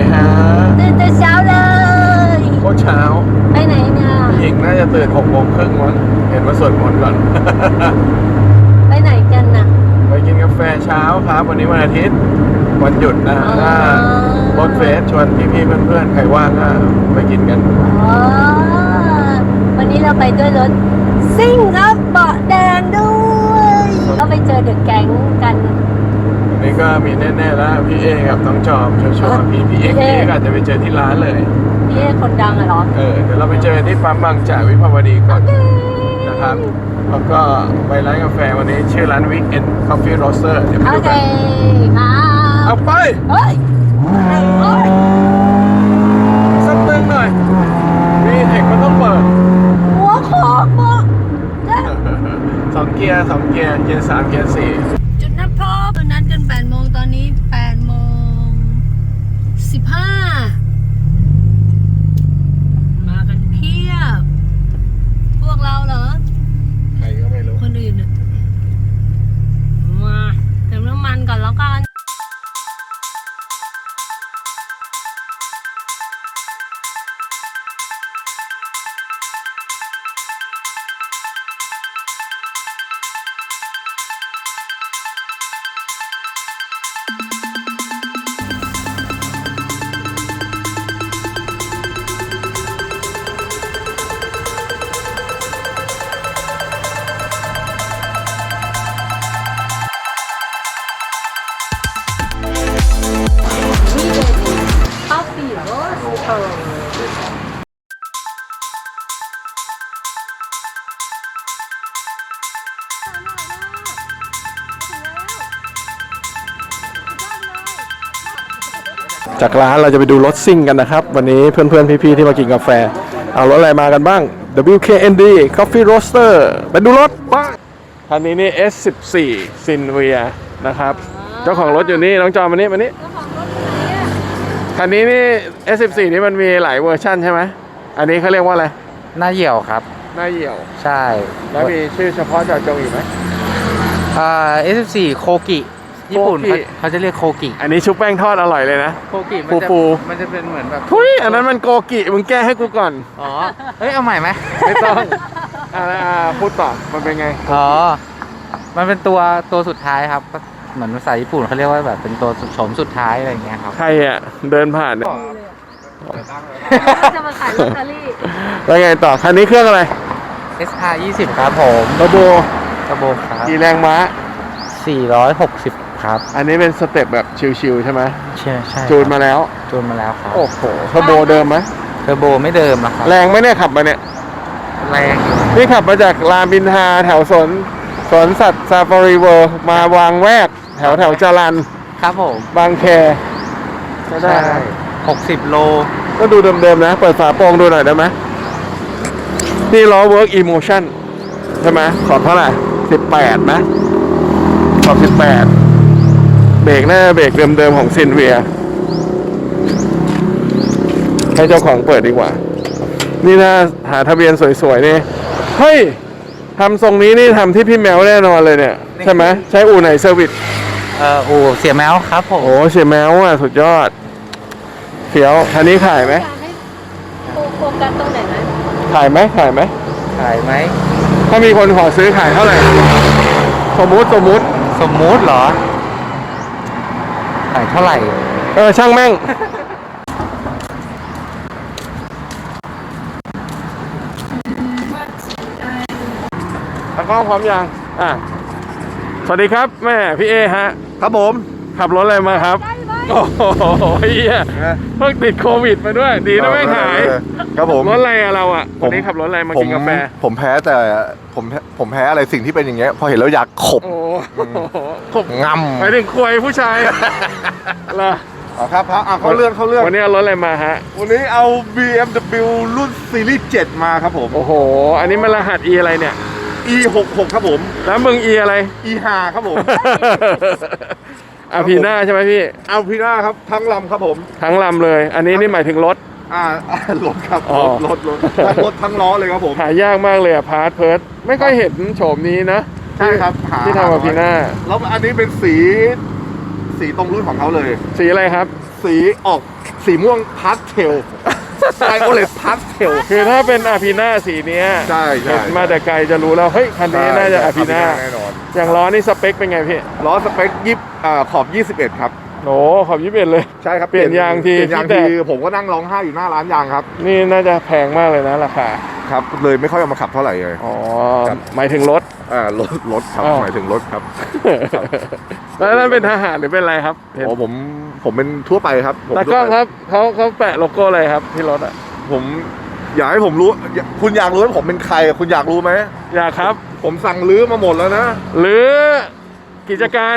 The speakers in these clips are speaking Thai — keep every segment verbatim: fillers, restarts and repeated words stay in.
ฮะตื่นแต่เช้าเลยโคตรเช้าไปไหนเนี่ยหญิงน่าจะตื่นหกโมงครึ่งมั้งเห็นว่าสวดมนต์ก่อนไปไหนกันน่ะไปกินกาแฟเช้าครับวันนี้วันอาทิตย์วันหยุดนะถ้ารถเฟสชวนพี่ๆเพื่อนๆใครว่างก็ไปกินกันอ๋อวันนี้เราไปด้วยรถซิ่งครับเบาะแดงด้วยก็ไปเจอเดอะแก๊งกันวันนี้ก็มีแน่ๆแล้วพี่เอกับน้องจอมชัวร์ๆพี่พี่เอ็กพี่เอ็กอาจจะไปเจอที่ร้านเลยพี่เอคนดังอะเหรอเออเดี๋ยวเราไปเจอที่ปั๊มบางจากวิภาวดีก่อนนะครับแล้วก็ไปร้านกาแฟวันนี้ชื่อร้าน Weekend Coffee Roaster เดี๋ยวไปดูกันค่ะเอาไปเฮ้ยสักตึงหน่อยมีเทคมันต้องเปิดหัวขอบบอกสองเกียร์สองเกียร์เกียร์สามเกียร์สี่จุดนัดพบนัดกันแปดโมงตอนนี้แปดโมงสิบห้ามากันเพียบพวกเราเหรอใครก็ไม่รู้คนอื่นอะมาเติมน้ำมันก่อนแล้วกันจากร้านเราจะไปดูรถซิ่งกันนะครับวันนี้เพื่อนๆพี่ๆที่มากินกาแฟเอารถอะไรมากันบ้าง ดับเบิลยู เค เอ็น ดี Coffee Roaster ไปดูรถบ้างคันนี้นี่ เอส สิบสี่ Sinvia นะครับเจ้าของรถอยู่นี่น้องจอมมานี่มานี่คันนี้นี่ เอส สิบสี่ นี่มันมีหลายเวอร์ชันใช่ไหมอันนี้เขาเรียกว่าอะไรหน้าเหี่ยวครับหน้าเหี่ยวใช่แล้วมีชื่อเฉพาะเจาะจงอีกไหมอ่า เอส สิบสี่ โคกิญี่ปุ่นเขาจะเรียกโคกิอันนี้ชุบแป้งทอดอร่อยเลยนะโคกิมันจะมันจะเป็นเหมือนแบบทุยอันนั้นมันโกกิมึงแก้ให้กูก่อนอ๋อเฮ้ยเอาใหม่ไหมไม่ต้องอ่าพูดต่อมันเป็นไงอ๋อมันเป็นตัวตัวสุดท้ายครับเหมือนภาษาญี่ปุ่นเขาเรียกว่าแบบเป็นตัวโฉมสุดท้ายอะไรเงี้ยครับใครอ่ะเดินผ่านเนี่ยจะมาขายลอตเตอรี่แล้วไงต่อคันนี้เครื่องอะไรเอส อาร์ ยี่สิบ ครับผมเทอร์โบเทอร์โบครับกี่แรงม้าสี่ร้อยหกสิบครับอันนี้เป็นสเต็ปแบบชิวๆใช่ไหมใช่ใช่จูนมาแล้วจูนมาแล้วครับโอ้โหเทอร์โบเดิมไหมเทอร์โบไม่เดิมนะครับแรงไหมเนี่ยขับมาเนี่ยแรงนี่ขับมาจากรามอินทราแถวสวนสวนสัตว์ซาฟารีเวิลด์มาวางแวกแถวแถวจรัญครับผมบางแคใช่หกสิบโลก็ดูเดิมๆนะเปิดฝาโปร่งดูหน่อยได้ไหมนี่ล้อ Work Emotion ใช่ไหมขอบเท่าไหร่สิบแปดไหมขอบสิบแปดเบรกหน้าเบรกเดิมๆของซินเวียให้เจ้าของเปิดดีกว่านี่นะหาทะเบียนสวยๆนี่เฮ้ยทำทรงนี้นี่ทำที่พี่แมวแน่นอนเลยเนี่ยใช่ไหมใช้อู่ไหนเซอร์วิสเอ่ออู่เสียแมวครับผมโอ้เสียแมวอ่ะสุดยอดเขียวคันนี้ขายไหมโฟกัสตรงไหนนะขายไหมขายไหมขายไหมถ้ามีคนขอซื้อขายเท่าไหร่สมมุติสมมุติสมมุติเหรอขายเท่าไหร่เออช่างแม่งตากล้องพร้อมยังอ่ะสวัสดีครับแม่พี่เอฮะครับผมขับรถอะไรมาครับโอ้โหเฮียเพิ่งติดโควิดมาด้วยดีนะไม่หายครับผมรถอะไรอะเราอะวันนี้ขับรถอะไรมากินกาแฟผมแพ้แต่ผมผมแพ้อะไรสิ่งที่เป็นอย่างเงี้ยพอเห็นแล้วอยากขบขบงำไปถึงควยผู้ชายเหรออ๋อครับครับอ่ะเขาเลื่อนเขาเลื่อนวันนี้เอารถอะไรมาฮะวันนี้เอา บี เอ็ม ดับเบิลยู รุ่นซีรีส์เจ็ดมาครับผมโอ้โหอันนี้มันรหัส E อะไรเนี่ยอี หกหก ครับผมแล้วมึง E อะไรอี ห้า ครับผมอาพีน่าใช่ไหมพี่อาพีน่าครับทั้งลำครับผมทั้งลำเลยอันนี้นี่หมายถึงรถอ่ารถครับรถรถรถทั้งรถทั้งล้อเลยครับผมหายากมากเลยอะพาร์ทเพิร์ดไม่ค่อยเห็นโฉมนี้นะใช่ครับที่ทำอาพีน่าแล้วอันนี้เป็นสีสีตรงรุ่นของเขาเลยสีอะไรครับสีออกสีม่วงพาสเทลไวโอเลตพาสเทลคือถ้าเป็นอาพีน่าสีเนี้ยใช่ใช่เห็นมาแต่ไกลจะรู้แล้วเฮ้ยคันนี้น่าจะอาพีน่าแน่นอนอย่างล้อนี่สเปคเป็นไงพี่ล้อสเปคยี่อ่าขอบยี่สิบเอ็ดครับโอ้ขอบยี่สิบเอ็ดเลยใช่ครับเปลี่ยนยางทีเปลี่ยนยางที่แตทีกผมก็นั่งร้องไห้อยู่หน้าร้านยางครับนี่น่าจะแพงมากเลยนะราคาครับ เลยไม่ค่อยเอามาขับเท่าไหร่เลยอ๋อครับหมายถึงรถอ่ารถรถครับอ้าวหมายถึงรถครับแล้วนั่นเป็นทหารหรือเป็นอะไรครับเห็นโอ้ผมผมเป็นทั่วไปครับผมตากล้องครับเขาเขาแปะโลโก้อะไรครับที่รถอ่ะผมอยากให้ผมรู้อยากคุณอยากรู้ว่าผมเป็นใครคุณอยากรู้ไหมอยากครับผมสั่งลื้อมาหมดแล้วนะหรือกิจการ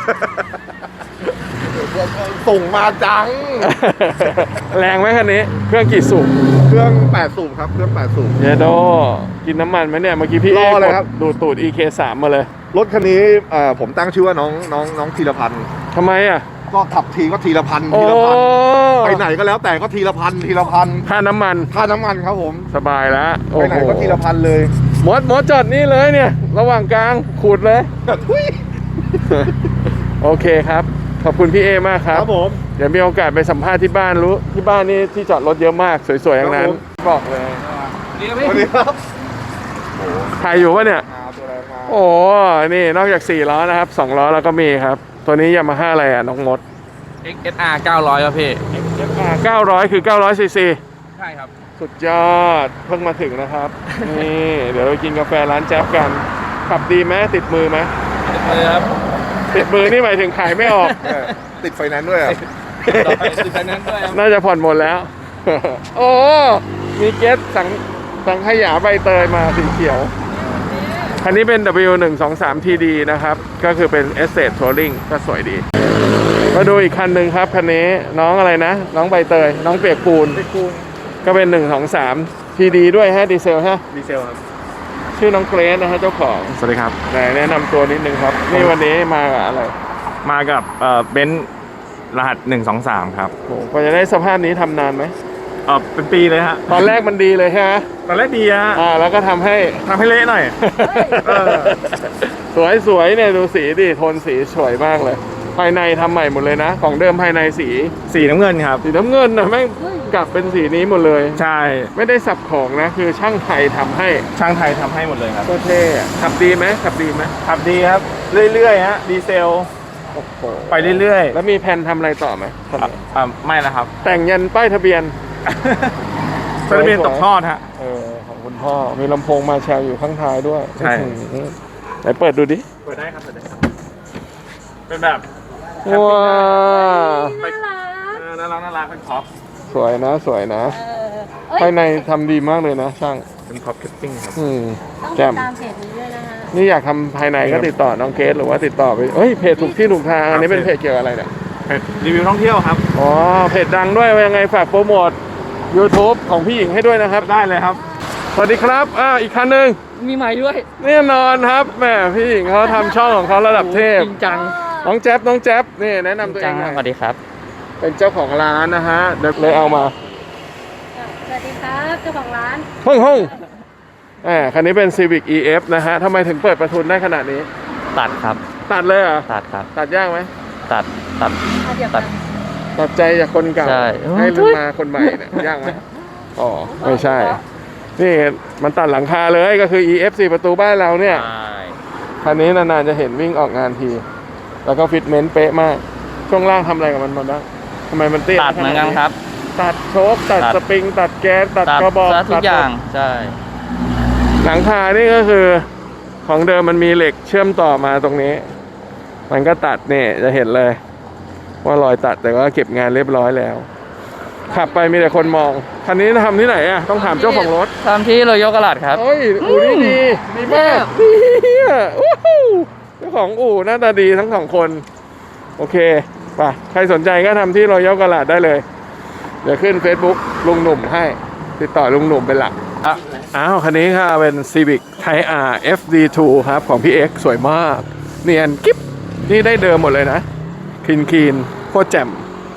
ส่งมาจังแรงไหมคันนี้ เครื่องกี่สูบเครื่องแปดสูบครับเครื่องแปดสูบเยโดกินน้ำมันไหมเนี่ย เมื่อกี้พี่รอเลยกดครับดูดตูด อี เค สาม มาเลยรถคันนี้เอ่อผมตั้งชื่อว่าน้องน้องน้องธีรพันธ์ทำไมอ่ะก็ขับทีก็ทีละพันโอ้ทีละพันไปไหนก็แล้วแต่ก็ทีละพันทีละพันค่าน้ำมันค่าน้ำมันครับผมสบายแล้วไปไหนก็ทีละพันเลยมดมดจอดนี่เลยเนี่ย ระหว่างกลางขูดเลยทุยโอเคครับ ขอบคุณพี่เอมากคครับ รับผมเดี๋ยวมีโอกาสไปสัมภาษณ์ที่บ้านรู้ ที่บ้านนี่ที่จอดรถเยอะมาก สวยๆอย่างนั้นครับผมบอกเลยสวัสดีครับถ่ายอยู่ปะเนี่ยมาตัวแรงมาโอ้นี่นอกจากสี่ล้อนะครับสองล้อแล้วก็มีครับ ตัวนี้ยามาฮ่าอะไรอ่ะน้องมดเอ็กซ์ เอส อาร์ เก้าร้อยครับพี่เก้าร้อยคือเก้าร้อยซีซีใช่ครับสุดยอดเพิ่งมาถึงนะครับ นี่เดี๋ยวเรากินกาแฟร้านแจ๊บกัน ขับดีไหมติดมือไหมเลยครับติดมือนี่หมายถึงขายไม่ออกเนี่ยติดไฟแนนซ์ด้วยอ่ะติดไฟแนนซ์ด้วยครับน่าจะผ่อนหมดแล้ว โอ้ มีเกสสังสังขยาใบเตยมาสีเขียว คันนี้เป็น ดับเบิลยู หนึ่ง สอง สาม ที ดี นะครับ ก็คือเป็น Estate Touring ก็สวยดี มาดูอีกคันหนึ่งครับ คันนี้น้องอะไรนะ น้องใบเตย น้องเปียกปูน ก็เป็น หนึ่ง สอง สาม ที ดี ด้วยฮะดีเซลฮะดีเซลครับชื่อน้องเกรซนะฮะเจ้าของสวัสดีครับไหนแนะนำตัวนิดนึงครับ นี่วันนี้มากับอะไรมากับเอ่อเบนซ์รหัสหนึ่งสองสามครับโอ้กว่าจะได้สภาพนี้ทำนานไหมเออเป็นปีเลยฮะตอนแรกมันดีเลยใช่ไหมตอนแรกดีฮะอ่าแล้วก็ทำให้ทำให้เละหน่อย เออสวยสวยเนี่ยดูสีดิโทนสีสวยมากเลย ภายในทำใหม่หมดเลยนะ ของเดิมภายในสีสีน้ำเงินครับสีน้ำเงินนะแม่งกลับเป็นสีนี้หมดเลยใช่ไม่ได้สับของนะ คือช่างไทยทำให้ช่างไทยทำให้หมดเลยครับก็เท่อะขับดีไหมขับดีไหมขับดีครับ เรื่อยๆฮะ ดีเซลโอ้โหไปเรื่อยแล้วมีแผนทำอะไรต่อไหมๆอ่ะอ่ะไม่แล้วครับแต่งยันป้ายทะเบียนทะเบียนตกทอดฮะเออของคุณพ่อมีลำโพงมาแชร์อยู่ข้างท้ายด้วยใช่อื้อหือไหนเปิดดูดิเปิดได้ครับเปิดได้ครับ เป็นแบบว้าเออน่ารักน่ารักเป็นพ็อปสวยนะสวยนะเออเอ้ยภายในทำดีมากเลยนะช่างเป็นพ็อปแคปปิ้งครับอืมต้องแจ่ติมดตามเพจนี้ด้วยนะฮะนี่อยากทำภายในก็ติดต่อน้องเกสหรือว่าติดต่อไปเอ้ยเพจถูกที่ถูกทางอันนี้เป็นเพจเกี่ยวกับอะไรเนี่ยเป็นรีวิวท่องเที่ยวครับอ๋อเพจดังด้วยว่ายังไงฝากโปรโมท YouTube ของพี่หญิงให้ด้วยนะครับได้เลยครับสวัสดีครับอ่าอีกคันหนึ่งมีใหม่ด้วยแน่นอนครับแหมพี่หญิงเขาทำช่องของเขาระดับเทพจริงจังน้องแจ๊บน้องแจ๊บนี่แนะนำตัวเองหน่อยสวัสดีครับเป็นเจ้าของร้านนะฮะเดี๋ยวเลยเอามาสวัสดีครับเจ้าของร้านห้องห้องอ่าคันนี้เป็น Civic อี เอฟ นะฮะทำไมถึงเปิดประทุนได้ขนาดนี้ตัดครับตัดเลยเหรอตัดครับตัดยากไหมตัด ตัดเอาเดี๋ยวตัมาดตัดใจจากคนเก่าใช่ให้ลืมมาคนใหม่เนี่ยยากไหมอ๋อไม่ใช่ นี่มันตัดหลังคาเลยก็คือ อี เอฟ สี่ประตูบ้านเราเนี่ยใช่คันนี้นานๆจะเห็นวิ่งออกงานที แล้วก็ฟิตเมนต์เป๊ะมาก ช่วงล่างทำอะไรกับมันมาบ้างทำไมมันเตี้ยตัดเหมือนกันครับตัดโชคตัดตัดสปริง ตัดแก๊สตัดตัดกระบอกซะทุกอย่าง ใช่หลังคานี่ก็คือของเดิมมันมีเหล็กเชื่อมต่อมาตรงนี้ มันก็ตัดเนี่ยจะเห็นเลย ว่ารอยตัดแต่ว่าเก็บงานเรียบร้อยแล้ว ขับไปมีแต่คนมอง คันนี้ทำที่ไหนอ่ะ ต้องถามเจ้าของรถตามที่โรโยกระลาดครับเฮ้ย อู่นี่ดี ดีมากเฮียโอ้โหเจ้าของอู่หน้าตาดีทั้งสองคน โอเคไปใครสนใจก็ทำที่รอยกระลาดได้เลย เดี๋ยวขึ้น Facebook ลุงหนุ่มให้ ติดต่อลุงหนุ่มเป็นหลักอ่ะอ้าว คันนี้ค่ะเป็น Civic Type R เอฟ ดี ทู ครับ ของพี่ X สวยมาก เนียนกิ๊บ นี่ได้เดิมหมดเลยนะคลีนคีนโคตรแจ่ม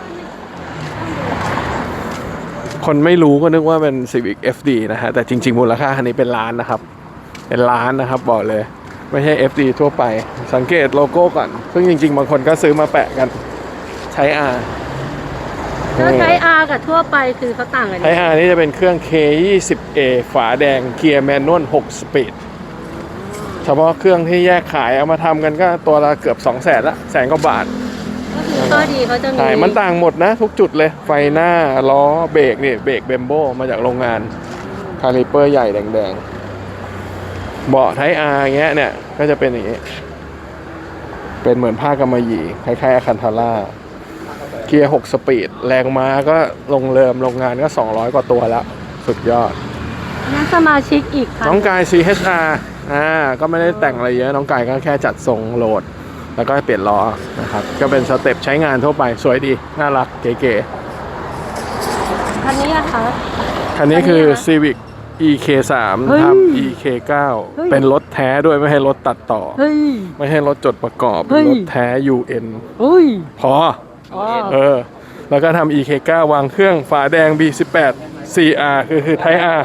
คนไม่รู้ก็นึกว่าเป็น Civic เอฟ ดี นะฮะ แต่จริงๆ มูลค่าคันนี้เป็นล้านนะครับ เป็นล้านนะครับบอกเลย ไม่ใช่ เอฟ ดี ทั่วไป สังเกตโลโก้ก่อน ซึ่งจริงๆ บางคนก็ซื้อมาแปะกันใช้ R แล้วไทย R กับทั่วไปคือเขาต่างกันไทย R นี่จะเป็นเครื่อง เค ยี่สิบเอ ฝาแดงเกียร์แมนนวลหกสปีดเฉพาะเครื่องที่แยกขายเอามาทำกันก็ตัวละเกือบสองแสนละแสนกว่าบาทก็คือข้อดีเขาจะมีใช่มันต่างหมดนะทุกจุดเลย ไฟหน้า ล้อ เบรกนี่เบรกเบมโบมาจากโรงงาน คาลิเปอร์ใหญ่แดงๆ เบาะไทย R เงี้ยเนี่ย ก็จะเป็นอย่างนี้ เป็นเหมือนผ้ากำมะหยี่คล้ายๆอาคันทาร่า เกียร์หกสปีด แรงม้าก็ลงเริมโรงงานก็สองร้อยกว่าตัวแล้ว สุดยอดนักสมาชิกอีกค่ะน้องกาย ซี เอช อาร์ อ่า ก็ไม่ได้แต่งอะไรเยอะ น้องกายก็แค่จัดทรงโหลด แล้วก็เปลี่ยนล้อนะครับ ก็เป็นสเต็ปใช้งานทั่วไป สวยดี น่ารัก เก๋คันนี้อะคะๆ คันนี้คือ Civic อี เค สามเฮ้ยทับ อี เค เก้าเฮ้ยเป็นรถแท้ด้วยไม่ให้รถตัดต่อเฮ้ยไม่ให้รถจดประกอบเฮ้เป็นยรถแท้ ยู เอ็นเฮ้ยพออ๋อเออ แล้วก็ทำ อี เค เก้า วางเครื่องฝาแดง บี สิบแปด ซี อาร์ คือคือไทย R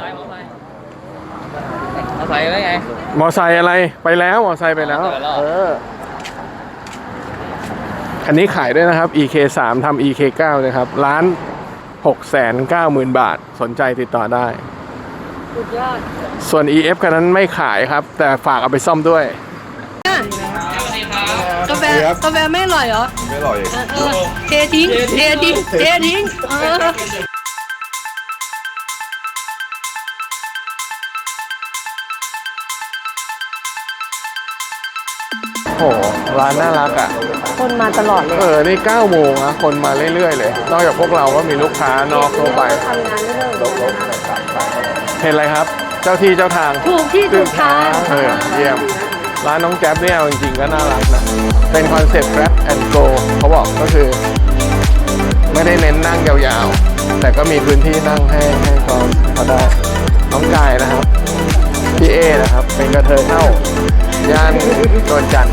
เอาใส่ไว้ไงมอไซค์อะไรไปแล้ว มอไซค์ไปแล้วไปแล้วเออ คันนี้ขายด้วยนะครับ อี เค สาม ทำ อี เค เก้า นะครับร้านหกแสนเก้าหมื่น บาทสนใจติดต่อได้สุดยอดส่วน อี เอฟ คันนั้นไม่ขายครับ แต่ฝากเอาไปซ่อมด้วยกาแฟกาแฟไม่อร่อยเหรอไม่อร่อยเออเออเททิ้งเททิ้งเททิ้งเออโอ้โหร้านน่ารักอ่ะคนมาตลอดเลยเออ นี่เก้าโมงนะคนมาเรื่อยๆเลย นอกจากพวกเราก็มีลูกค้านอกทั่วไปทำงานไม่เลิกเห็นอะไรครับ เจ้าที่เจ้าทางถูกที่ถูกทางเออเยี่ยม ร้านน้องแจ๊บเนี่ยเอาจริงๆก็น่ารักนะ เป็นคอนเซ็ปต์ grab and go เขาบอกก็คือ ไม่ได้เน้นนั่งยาวๆ แต่ก็มีพื้นที่นั่งให้ให้เขาเขาได้ น้องกายนะครับ พี่เอนะครับ เป็นกระเทยเท่า ย่านนวลจันทร์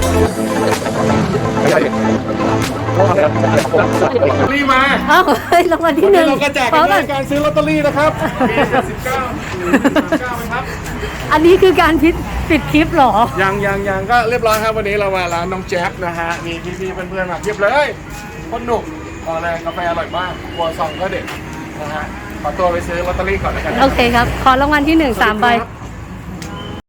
รีมาเอ้าเฮ้ยรางวัลที่หนึ่งเราก็แจกขอกันก่ในอนการซื้อลอตเตอรี่นะครับมีเจ็ดสิบเก้าเก้าไหมครับอันนี้คือการพิดปิดคลิปเหรอยังยังยังก็เรียบร้อยครับวันนี้เรามาร้านน้องแจ๊บนะฮะมีพี่ๆเพื่อนๆมาเทียบเลยคนหนุกบอกเลยกาแฟอร่อยมากครัวซองก็เด็ดนะฮะขอตัวไปซื้อลอตเตอรี่ก่อนแล้วกันนะโอเคครับ ขอรางวัลที่หนึ่งสามใบครับ